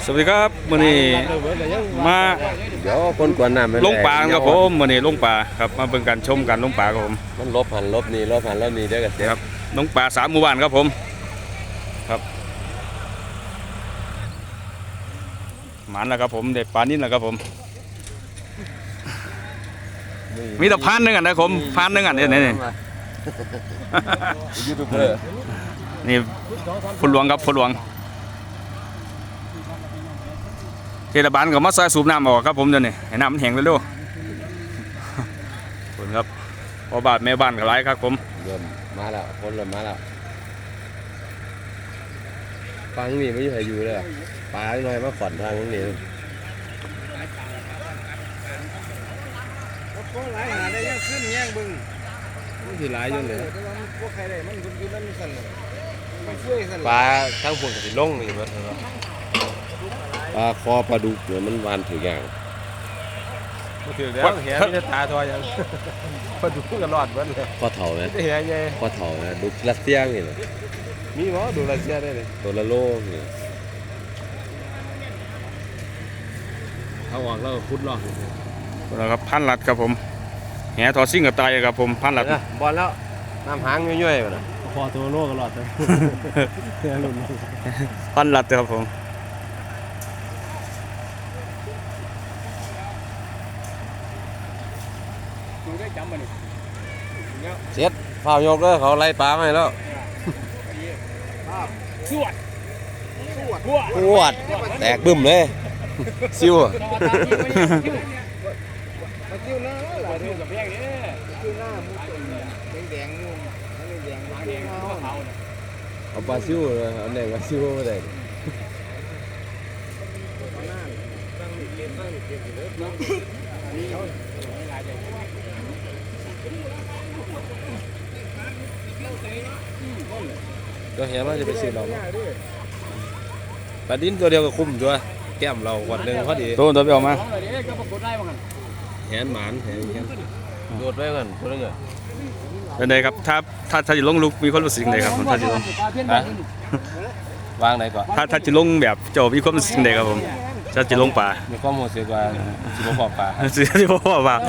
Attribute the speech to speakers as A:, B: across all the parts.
A: สวัสดีครับมื้อนี้มา
B: เดี๋ยวคนกวนน้ำ
A: ลงป่าครับผมมื้อนี้ลงป่าครับมาเบิ่งกันชมกันลงป่าครับผม
B: มันลบหันลบนี่ลบหันลบนี่เดี๋ยวกันเสีย
A: ครับลงป่า3 หมู่บ้านครับผมครับหมันแล้วครับผมได้ปลานิ่นแล้วครับผมมีแต่พันหนึงอ่ะนะผมพันหนึงอ่ะนี่
B: ยูทูบเบอร์
A: นี่พลหลวงครับพลหลวงเทศบาลก็มาซอยสูบน้ำออกครับผมเดี๋ยวนี้ให้น้ำมันแห้งเร็วๆขอบคุณครับพ่อบ้านแม่บ้านก็หลายครับผม
B: เริ่มมาแล้วคนเริ่มมาแล้วฟังนี่ไม่อยู่เลยปลาหน่อยมาขวัญทางนี้
C: ก็หลายหาได้ยังขึ้นแย่งบึง
B: มันสิหลายอยู่เลย
C: พวกใครได้มันคุณคือนั่นสั่นมันช่วยสั่น
B: ปลาทั้งพวกสิลงนี่มันปลาคอปลาดุกเนี่ยมันวานถืออย่าง
C: ถือแล้วแหมีแต่ตาทอยังปลาดุกก็รอดเบิดเลย
B: ข้อเถ่าไหม
C: แหใหญ่
B: ข้อเถ่านะดุกรัสเซียนี่เลย
C: มีหมอดูรัสเซียได้เลย
B: ตัวละโลนี่เอาออกแล้วพุดลอก
A: แล้วครับพันลัดครับผมแหทอซิ่งกับไตครับผมพันลัด
B: บอลแล้วน้ำหางย่อยๆนะ
C: พอตัวโลก็รอดเลย
A: พันลัดครับผม
B: เสร็จฝ้ายกเลยเขาไล่ปลาไปแล้ว
C: สวด
B: ปวดแตกบึ้มเลยซิว
C: มาจิ้วหน้าหล่ะจิ้วกับแพงนี่จิ้วหน้ามุกแดงมุกแดง
B: เอาปลาซิวเลยเอาแดงปลาซิวมาแดงตัวเหี้ยมันจะไปซื้อเราปลาดิ้นตัวเดียวก็คุ้มตัวแก้มเราวันหนึ่งพอดี
A: ตัวไปออกมา
B: แหนหมานแหนโดดไปกันตัวนึงอ่ะ
A: เป็นไงครับถ้าจะลงลุกมีความรู้สึกยังไงครับถ้าจะลง
B: วางไหนก่อน
A: ถ้าจะลงแบบโจมีความรู้สึกยังไงครับผมถ้าจะลงป่า
B: มีความรู้สึกว่าสิบ่พอป่า
A: สิบ่พอป่า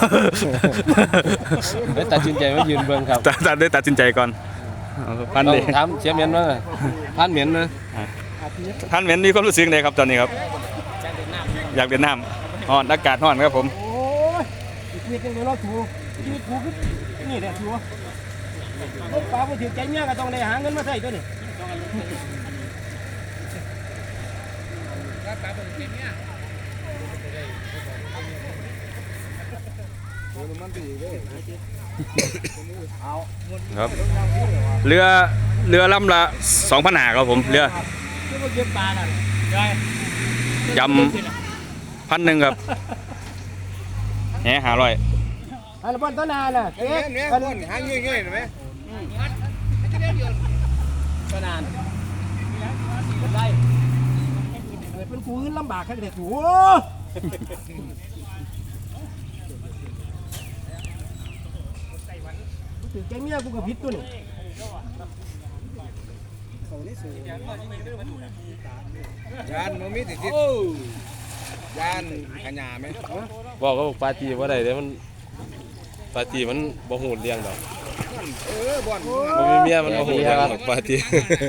B: ได้ตัดสินใจว่ายืนเบิ่งครับ
A: ได้ตัดสินใจก่อนพันเลย
B: ถามเชียร์เมียนมั้งพันเมียนนะ
A: ท่านเหม็นมีความรู้สึกไงครับตอนนี้ครับอยากเดินน้ำฮ้อนอากาศฮ้อนครับผม
C: โอ้ยชีวิตยังเดี๋ยวเราถูชีวิตถูกนี่แหละถูลูกปลาพอถือใจเมียก็ต้องได้หาเงินมาใส่ตัวนี้
A: ครับเรือลำละ2,500ครับผมเรือยำ1,000ครับแห500
C: อันบนต้นนาน่ะเอ๊ะบนหางเงี้ยๆเห็นไหมต้นนานเป็นไรเป็นกูขึ้นลำบากแค่เด็กโอ้ถือแกเมียกูกับพิษตัวนี่ยานมันมีติดยานขยาไหม
B: บอกก็บอกปาตีว่าใดเดี๋ยวมันปาตีมันบ่หูเลี้ยงดอก
C: บ่อน
B: บ่มีเมียมันบ่หูเลี้ยงดอกปาตี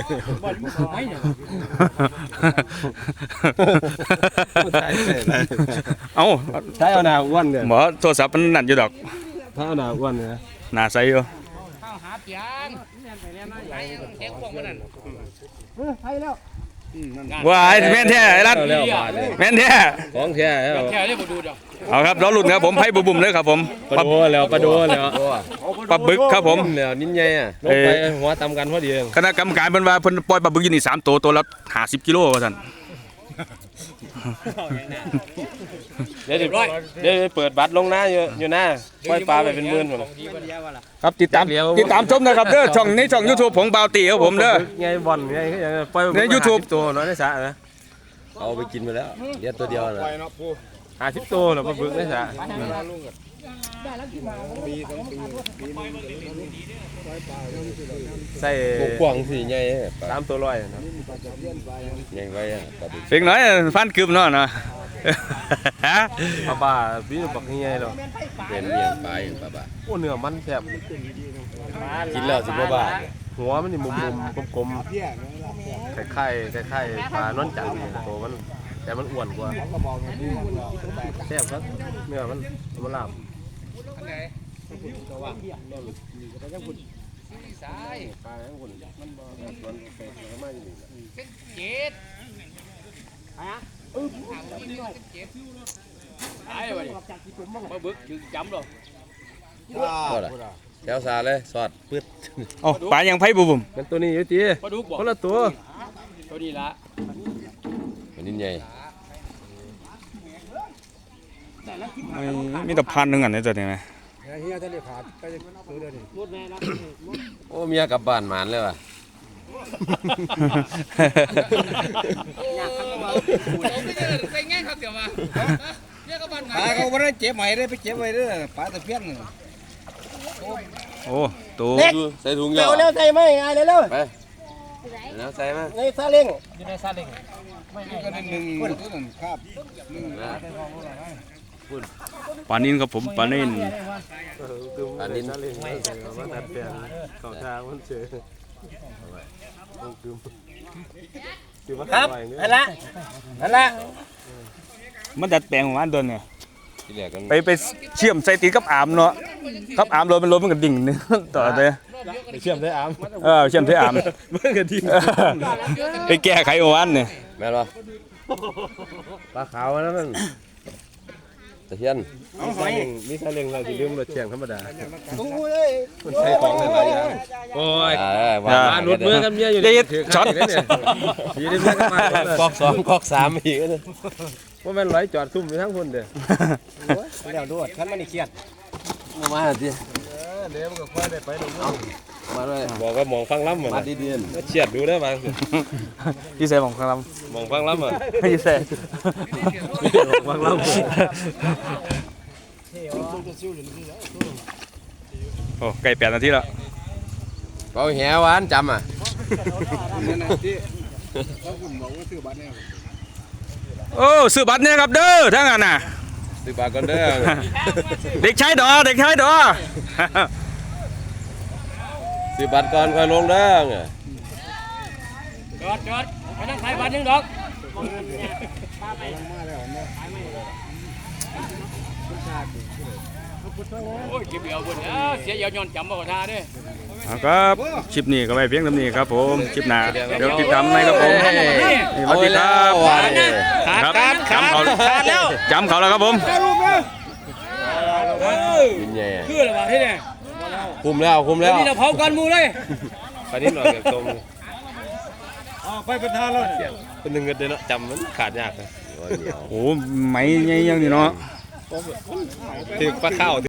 A: เอา
B: ใช้เอาหน้าอ้วนเนี่ย
A: หมอโทรศัพท์มันนั่นอยู่ดอก
B: ถ้าเอาหน้าอ้วนเนี่ย
A: หน้าใสอยู่
C: หาเปียงแกงพวกมันนั่นไปแล้ว
A: ว้ายแม่นแท้ไอ้รัดแม่นแท้
B: ของแท้
C: แท้ได้บ่ดูดอก
A: เอาครับล้อหลุดครับผมไพ่บุ่มเลยครับผม
B: ปลาโดแล้วปลาโดแล้ว
A: ปลาบึกครับผม
B: แล้วนิ้นใหญ่อ่ะลงไปหัวตำกันพอดี
A: คณะกรรมการเพิ่นว่าเพิ่นปล่อยปลาบึกอยู่นี่3 ตัวละ50 กิโลว่าซั่น
B: เดี๋ยวเปิดบัตรลงหน้าอยู่หน้าปล่อยปลาไปเป็นหมื่นหมด
A: ครับติดตามชมนะครับเด้อช่องในช่อง YouTube ของบ่าวตีครับผมเด้อ
B: ไงบอลไงปล่อย
A: ใน YouTube
B: ตัวน้อยในสระนะเอาไปกินไปแล้วเลี้ยงตัวเดียวนะ 50ตัวแล้วมาบึกได้ซะ
C: ได้แล้วที่มา
B: ใส่กว้างสิใหญ่3ตัว100นะใหญ่ไว้ปลาดุก
A: เพียงน้อยฟันกึมเนาะเนาะ
B: ปลาบ้าพี่บักใหญ่แล้ว
C: เป็น
B: เป็นเมียงปลาอย่างปลาบ้าโอ้เนื้อมันแซ่บกินแล้วสิบ่บาดหัวมันนี่มุมๆกลมๆคล้ายๆปลานอนจันทร์นี่ตัวมันแต่มันอ้วนกว่าแซ่บครับเนื้อมันลาบ
D: มาบึกถึงจำหรอ
B: ก็ล่ะแถวซาเลยสอดปึ๊ด
A: โอ้ปลายังไผบุ่ม
B: เป็นตัวนี้อยู่ติ
D: ปลาดุกบอก
B: คนละตัว
D: ตัวนี้ละ
B: มันนี่ใหญ่
A: มีแต่พันหนึงอันนี้ตัวนี้ไหม
C: เฮียทะเลขาดไปซื้อเดี๋ยวนี้มุดแม่นะ
B: โอ้เมียกลับบ้านหมานเลยว่ะ
D: ไปง่ายครับเดี๋ยวมาเนี่ยก็บ้าน
C: ปลาเขาวันนั้นเจ็บใหม่เลยไปเจ็บไว้เลยปลาตะเพียน
A: โอ้ตัว
B: ใส่ถุงยา
C: เร็วเร็วใส่ไหมง่ายเลยเร็ว
B: ไปแล้วใส่มา
C: ในซาเล้ง
D: อยู่ในซาเล้ง
C: ก็หนึ่งตัวนั้นครับ
A: ปลานินครับผมปลานิน
B: อันนี้นั่นเลยมันดัดแปลงเขาทางมันเจอ
C: ครับนั่นละนั่นละ
A: มันดัดแปลงของอันเดินเนี่ย
B: ที่แรกกัน
A: ไปเชื่อมใส่ตีนกับอามเนาะกับอามรถมันรถมันก็ดิ่งนึงต่อเลย
B: เชื่อมได้อ้ํ
A: เชื่อมใส่อาม
B: มันก็ดี
A: ไปแก้ไขของอันเนี่ย
B: แม่นบ่ปลาขาวนะมันตะเพียนมีซาเล้งเราสิลืมรถเชียงธรรมดา
C: ดูเลย
B: มันใช้ของหลายอย่างโอ้ยว่าหลุดมือกันเมียอยู่
A: เด็ดช็อต
B: เนี่ยทีนี้มันก็มากอก2กอก3อีกนะว่าแม่นร้อยจอดซุ่มอยู่ทั้งคนเด้อ
C: แล้วดูขันมันนี่เครียด
B: มาสิเดี๋ยวมันก็ค่อยได้ไปลงมาด้วยบอกว่ามองฟังล้ำเหมือนมาดีๆเฉียดดูได้บาง
A: พี่ใส่ของครับ
B: มองฟังล้ำเหมือน
A: พี่ใส่
B: ฟังล้ำ
A: โอ้ไก่8 นาทีแล้ว
B: เขาแหวานจำอ่ะ
A: โอ้ซื้อบัตรเนี่ยครับเด้อทั้งนั้นน่ะ
B: สิบบาทก่อนเด้อ
A: เด็กชายดอเด็กชายดอ
B: สิบบาทก่อนค่อยลงเด้อ
D: จอดไปนั่งขายบ้านนึงดอกโอ้ยเก็บเดียวคนเสียยาวย้อนจำบ่กท่าเด้
A: ครับคลิปนี้ก็ไปเพียงเท่านี้ครับผมคลิปหน้าเดี๋ยวติดตามในครับผมสวัสดีครับครับจำเขาแล้วจำเขาแล้วครับผม
B: กินใหญ่
D: คืออะไรวะที่เนี่ย
B: คุมแล้วคุมแล้ว
D: นี่เราเผากันมูเลย
B: ไปนิดหน่อยแบบตรงไปเป็นทานแล้วเป็นหนึ่งเงินเดือนเนาะจำมันขาดยากเลย
A: โอ้ไหมยังนี่เนาะ
B: ถือปลาข้าว